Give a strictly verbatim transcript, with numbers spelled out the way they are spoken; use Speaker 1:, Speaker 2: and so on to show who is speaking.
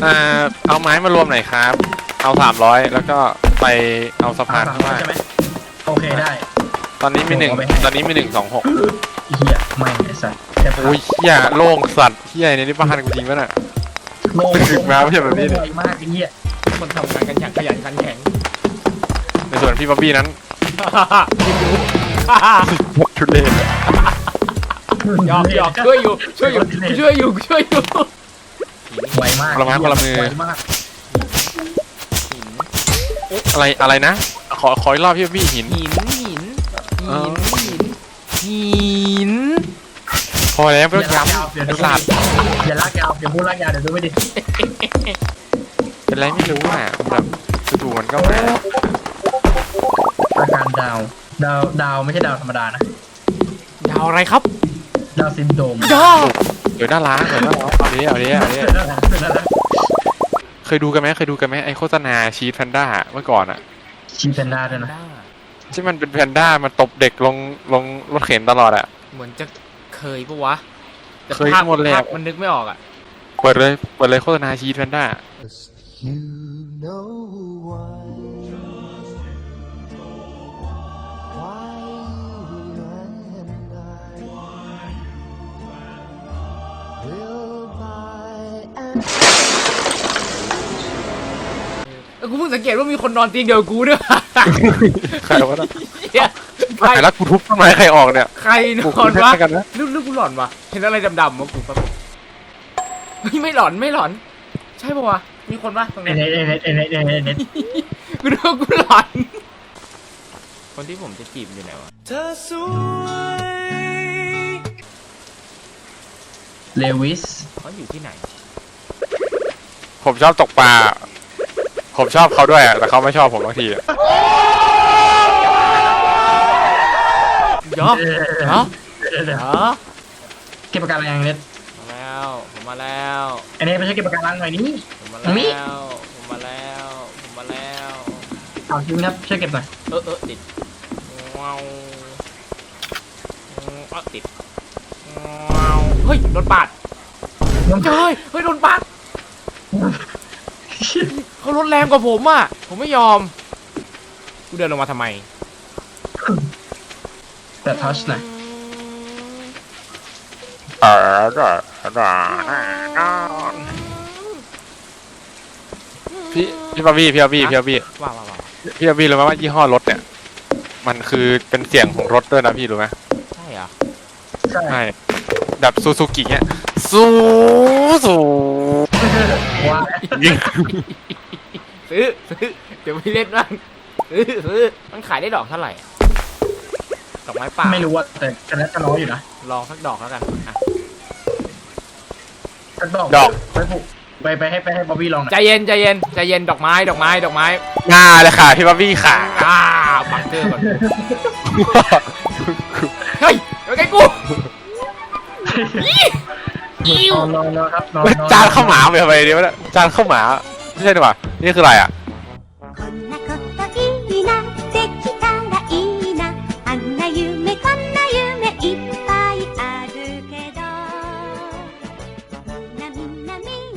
Speaker 1: อ่าเอาไม้มารวมหน่อยครับเอาสามร้อยแล้วก็ไปเอาสะพานข้างล่าง
Speaker 2: ใช่ไหมโอเคได้
Speaker 1: ตอนนี้มีหนึ่งตอนนี้มีหนึ่งสองหก
Speaker 2: เฮียไม่ไอ้สัตว์แต่
Speaker 1: โอ้ยเฮียโล่งสัตว์เฮียในนี้บ้านกูจริงปะน่ะ
Speaker 2: โลง
Speaker 1: ถึงมาไม่ใช่แบบนี้
Speaker 2: เล
Speaker 1: เนี่ย
Speaker 2: ยมากไอ้เฮีย
Speaker 3: คนทำงานกันอย่างขยันขันแข็ง
Speaker 1: ในส่วนพี่บ๊อบบี้นั้น
Speaker 3: ยินดู
Speaker 1: ชุดเล่น
Speaker 3: หยอกหยอกช่วยอยู่ช่วยอยู่ช่วยอยู่ช่วยอยู่
Speaker 2: ไวมาก
Speaker 1: คนละไม้คนละมือ
Speaker 2: ไวมาก
Speaker 1: อะไรอะไรนะขอขออีกรอบพี่บ๊อบบี้หิน
Speaker 3: หินหินหินหินหิน
Speaker 1: พอแล้วไม่ต้องย้ำ
Speaker 2: เดี๋ยว
Speaker 1: ไอ้
Speaker 2: ดู
Speaker 1: สัตว์
Speaker 2: อย่าลากยาวอย่าพูดลากยาวเดี๋ยวดูไม่ดี
Speaker 1: เป็นไรไม่รู้อ่ะแบบจู่ๆมันก็มา
Speaker 2: อาการดาวดาวดาวไม่ใช่ดาวธรรมดานะ
Speaker 3: ดาวอะไรครับ
Speaker 2: ดาวซินโดรม
Speaker 3: ดาว
Speaker 1: เดี๋ยวน่ารักเดี๋ยวน่ารักเอาดิเอาดิเอาดิเคยดูกันไหมเคยดูกันไหมไอโฆษณาชีสแพนด้าเมื่อก่อนอ่ะ
Speaker 2: ชีแพนด้าด้วยนะ
Speaker 1: ที่มันเป็นแพนด้ามันตบเด็กลงลงรถเข็นตลอดอ่ะ
Speaker 3: เหมือนจะเคยปะวะแต่
Speaker 1: เคย
Speaker 3: ภาพ
Speaker 1: หมดแล้ว
Speaker 3: ภาพมันนึกไม่ออกอ่ะ
Speaker 1: เปิดเลยเปิดเลยโฆษณาชีสแพนด้า
Speaker 4: You know why, why you and I will buy an
Speaker 3: เออกูเพิ่งสังเกตว่ามีคนนอนเตียงเดียวกับกูด้วย
Speaker 1: ใครวะนะ
Speaker 3: เหี้ยใคร
Speaker 1: ใครแล้วกูทุบต้นไม้ใครออกเนี่ย
Speaker 3: ใครน
Speaker 1: กู
Speaker 3: อ
Speaker 1: คุ
Speaker 3: น
Speaker 1: ย
Speaker 3: วะ
Speaker 1: กันนะ
Speaker 3: ลึกลึกกูหลอนวะเห็นอะไรดำๆวะกูแป๊บเฮ้ยไม่หลอนไม่หลอน ใช่ปะวะมีคนปะตรง
Speaker 2: เอ็
Speaker 3: นี้
Speaker 2: นเอ็นเอ็นเอ็นเอ็นเอ็นเอ็นเอ็น
Speaker 3: กูนึกว่ากูหลอน คนที่ผมจะจีบอยู่ไหนวะ
Speaker 2: เลวิส
Speaker 3: เขาอยู่ที่ไหน
Speaker 1: ผมชอบตกปลาผมชอบเขาด้วยอะแต่เขาไม่ชอบผมบางทีอะ
Speaker 3: เดี๋ยวเดี๋ยวเดี๋ยว
Speaker 2: เก็บปากการังเน็ต
Speaker 3: มาแล้วผมมาแล้ว
Speaker 2: อันนี้ไม่ใช่เก็บปากการังหน่อยนี่
Speaker 3: ผมมา
Speaker 2: มี
Speaker 3: แล้วผมมาแล้วผมมาแล้ว
Speaker 2: เอาชิวนะครับช่วยเก็บหน่อย
Speaker 3: เออเออติดว้าวเออติดว้าวเฮ้ยโดนปาดเฮ้ยเฮ้ยโดนปาดเขาลดแรงกว่าผมอ่ะผมไม่ยอมกูเดินลงมาทำไม
Speaker 2: แต่ทัชหน่อย
Speaker 1: เออเออเออพี่พี่บาร์บี้พี่บาร์บี้พี่บาร์บี้
Speaker 3: ว้าวว้าวว้าว
Speaker 1: พี่บาร์บี้รู้ไหมว่ายี่ห้อรถเนี่ยมันคือเป็นเสียงของรถด้วยนะพี่รู้ไหม
Speaker 3: ใช่เหรอ
Speaker 2: ใช่
Speaker 1: ใช่แบบซูซูกิเนี่ยซูซู
Speaker 2: ว่า
Speaker 1: ยิง
Speaker 3: ซื้อซื้อเดี๋ยวไปเล่นบ้างซื้อซื้อมันขายได้ดอกเท่าไหร่อะดอกไม้ป่า
Speaker 2: ไม่รู้ว่าแต่แต่นั้นจะน้อยอยู่นะ
Speaker 3: ลองสักดอกแล้วกันอ่ะ
Speaker 2: สักดอก
Speaker 1: ดอก
Speaker 2: ไปผูกไปไปให้ไปให้บ๊อบบี้ลองหน่
Speaker 3: ใจ
Speaker 2: อย
Speaker 3: เย็นใจเย็นใจเย็นดอกไม้ดอกไม้ดอกไม้
Speaker 1: งาเลยค่ะพี่บาร์บี้ค่ะ
Speaker 3: อ่าบังเกอร์ก่อนเฮ้ยเดี๋ยวไงกูอิ้วน
Speaker 2: อนนอนนอนครับนอนนอน
Speaker 1: จานข้าวหมาไปทำไมเนี่ยวะเนี่ยจานข้าวหมาไม่ใช่ดีกว่านี่คืออะไรอ่ะ